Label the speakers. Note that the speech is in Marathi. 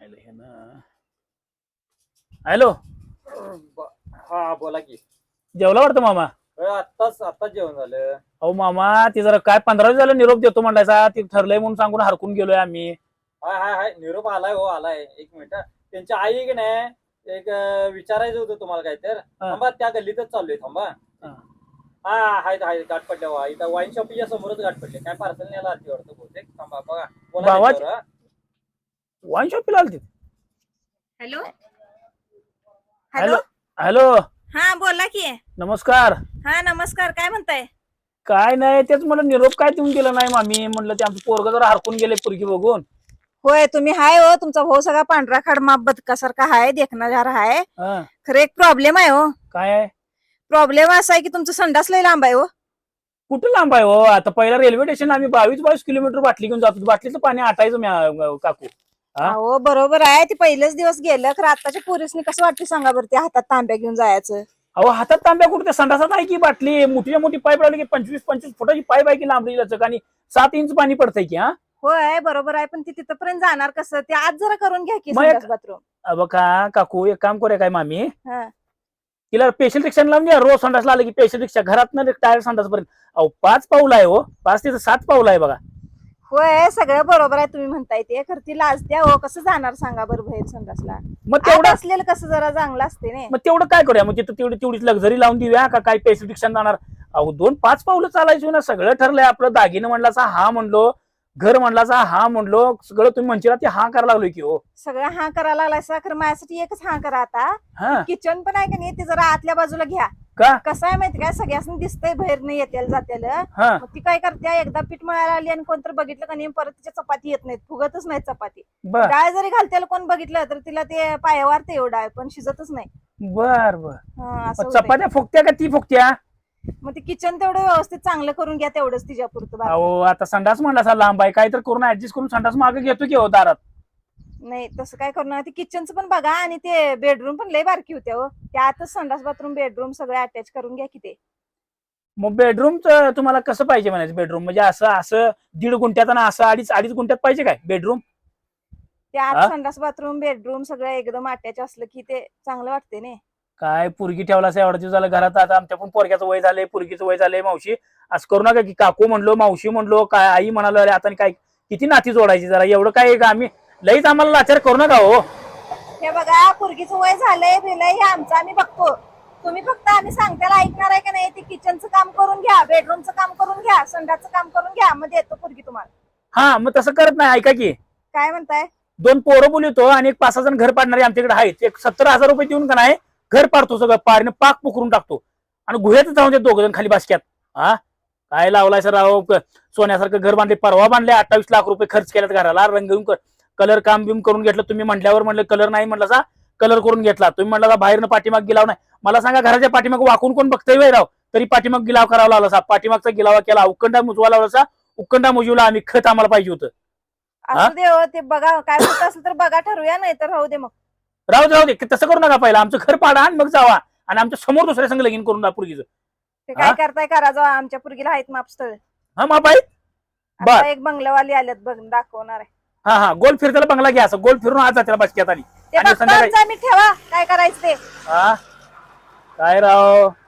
Speaker 1: हॅलो.
Speaker 2: हा बोला की.
Speaker 1: जेवला वाटतं मामा?
Speaker 2: आत्ताच जेवण झालं.
Speaker 1: अहो मामा ती जरा काय 15 दिवस झालं निरोप देतो म्हणलायचा, ती ठरलंय म्हणून सांगून हरकून गेलोय आम्ही.
Speaker 2: हाय निरोप आलाय हो आलाय. एक मिनिट. त्यांची आई की नाही एक विचारायचं होतं तुम्हाला काय तर. थांबा त्या गल्लीतच चाललोय थांबा. हा हाय गाठ पडल्या इथं वाईन शॉपीच्या समोरच गाठ पडले. काय पार्सल न्यायला आलती वाटतं बहुतेक. थांबा बघा बोला.
Speaker 1: वाईन शॉपीला आलती.
Speaker 3: Hello
Speaker 1: hello hello.
Speaker 3: हा बोला की.
Speaker 1: नमस्कार.
Speaker 3: हा नमस्कार. काय म्हणताय?
Speaker 1: काय नाही तेच म्हणलं निरोप काय देऊन गेला नाही मामी. म्हणलं ते आमचं पोरग जरा हरकून गेले पुरगी बघून.
Speaker 3: होय तुम्ही हाय हो. तुमचा भाऊ सगळा पांढरा खाडमा बदकासारखा हाय, देखणारा हाय. खरं एक प्रॉब्लेम आहे हो.
Speaker 1: काय आहे
Speaker 3: प्रॉब्लेम असा आहे की तुमचं संडास लय लांब आहे हो.
Speaker 1: कुठं लांब आहे हो? आता पहिला रेल्वे स्टेशन आम्ही 22 किलोमीटर बाटली घेऊन जातो. बाटलीचं पाणी आटायचं काकू.
Speaker 3: हो बरोबर आहे. ते पहिलेच दिवस गेलं. खरं आताच्या पोरीसनी कसं वाटतं सांगा बरं, ते हातात तांब्या घेऊन जायचं.
Speaker 1: अहो हातात तांब्या कुठे? संडासात आहे की बाटली. मोठी पाईप लागली की 25 फुटाची पाईप आहे की लांबडी लचक आणि 7 इंच पाणी पडतंय की.
Speaker 3: होय बरोबर आहे. पण ती तिथपर्यंत जाणार कसं? ते आज जरा करून घ्या की संडास बाथरूम.
Speaker 1: बघा काकू एक काम करूया काय मामी,
Speaker 3: हा
Speaker 1: तिला स्पेशल रिक्षा लावून द्या. रोज संडासला आलं की स्पेशल रिक्षा घरात न टायर संडास पर्यंत. अहो 5 पाऊल आहे हो. 5 ते 7 पाऊल आहे बघा.
Speaker 3: होय सगळं बरोबर आहे तुम्ही म्हणताय ते. खरं ती लाजत्या हो. कसं जाणार सांगा बरं बाहेर संडासला?
Speaker 1: मग तेवढं
Speaker 3: असलेलं कसं जरा चांगलं असते ना.
Speaker 1: मग तेवढं काय करूया? मग तिथं तेवढीच लक्झरी लावून देऊया का काय स्पेशल रिक्षा जाणार? अहो 2-5 पावलं चालायची ना. सगळं ठरलंय आपलं. दागिनं म्हणलाचा हा म्हणलो, घर म्हणलाचा हा म्हणलो, सगळं तुम्ही म्हणशीला ते हा करायला लागलोय की हो.
Speaker 3: सगळं हा करायला लागलाय. खरं माझ्यासाठी एकच हा करा आता. किचन पण आहे का नाही ते जरा आतल्या बाजूला घ्या.
Speaker 1: का
Speaker 3: कसं आहे माहिती काय, सगळ्यांनी दिसतंय बाहेर नाही येत्याला जात्याला. मग ती काय करते, एकदा पीठ मळायला आली आणि कोणतर बघितलं का नाही परत तिच्या चपाती येत नाहीत, फुगतच नाही चपाती. डाळ जरी घालत्याला कोण बघितलं तर तिला ते पायावर ते डाळ पण शिजतच नाही.
Speaker 1: बर चपात्या फुगत्या का ती फुगत्या?
Speaker 3: मग ते किचन तेवढं व्यवस्थित चांगलं करून घ्या तेवढंच तिच्या पुरतं.
Speaker 1: अहो आता संडास म्हणला लांब आहे, काय तर करून ऍडजस्ट करून संडास मागे घेतो की हो दारात.
Speaker 3: नाही तसं काय करणार. ते किचनचं पण बघा आणि ते बेडरूम पण लय बारकी होत्या हो. त्यातच संडास बाथरूम बेडरूम सगळं अटॅच करून घ्या की ते.
Speaker 1: मग बेडरूमचं तुम्हाला कसं पाहिजे म्हणायचं? बेडरूम म्हणजे असं 1.5 गुंठ्यात आणि असं 2.5 गुंठ्यात पाहिजे काय बेडरूम?
Speaker 3: त्यात संडास बाथरूम बेडरूम सगळं एकदम अटॅच असलं की ते चांगलं वाटते ना.
Speaker 1: काय पुरगी ठेवला एवढा दिवस झालं घरात. आता आमच्या पण पोरग्याचं वय झालंय, पुरगीचं वय झालंय. मावशी असं करू नका की. काकू म्हणलो, मावशी म्हणलो, काय आई म्हणालो. अरे आता काय किती नाती जोडायची जरा. एवढं काय आम्ही लईच आम्हाला लाचार करू नका हो.
Speaker 3: हे बघा पुरगीचं वय झालंय बिलय हे आमचं आम्ही बघतो. तुम्ही फक्त आम्ही सांगताना ऐकणार आहे का नाही? ते किचनचं काम करून घ्या, बेडरूमचं काम करून घ्या, संडासचं काम करून घ्या, मग देतो पुरगी तुम्हाला.
Speaker 1: हा मग तसं करत नाही. ऐका की.
Speaker 3: काय म्हणताय?
Speaker 1: 2 पोरं बोलवतो आणि एक 5-6 जण घर पाडणारे आमच्याकडे आहेत. एक 70,000 रुपये देऊन का नाही घर पाडतो, सगळं पारीने पाक पुकरून टाकतो आणि गुह्यातच जाऊन ते 2 जण खाली बासक्यात. काय लावलाय सर राव? सोन्यासारखं घर बांधले, परवा बांधले. 28 लाख रुपये खर्च केल्यात घराला. रंग कलर काम बिम करून घेतलं. तुम्ही म्हटल्यावर म्हणलं कलर नाही, म्हटलं कलर करून घेतला. तुम्ही म्हटलं बाहेरनं पाठीमाग गिलाव नाही. मला सांगा घराच्या पाठीमाग वाकून कोण बघतोय वय राव? तरी पाठीमाग गिलाव करावा लागला. पाठीमागचा गिलावा केला, उकंडा मुजवा लावला. उकंडा मुजवला आम्ही. खत आम्हाला पाहिजे होतं.
Speaker 3: असू दे हो. ते बघा काय होत असेल तर बघा, ठरवूया. नाही तर राहू दे. मग
Speaker 1: राहू दे. तसं करू नका. पहिला आमचं घर पाडा आणि मग जावा आणि आमच्या समोर दुसऱ्या संग लगीन करून द्या पुरगीचं.
Speaker 3: ते काय करताय करा. जाऊ आमच्या पुरगीला आहेत मापस्थळ.
Speaker 1: माप आहे.
Speaker 3: आता एक बंगलावाली आल्यात बघ, दाखवणार आहे.
Speaker 1: गोल फिरताला बंगला घ्या. असं गोल फिरून आज जाते बसक्यात आणि
Speaker 3: ठेवा काय करायचं ते.
Speaker 1: काय राव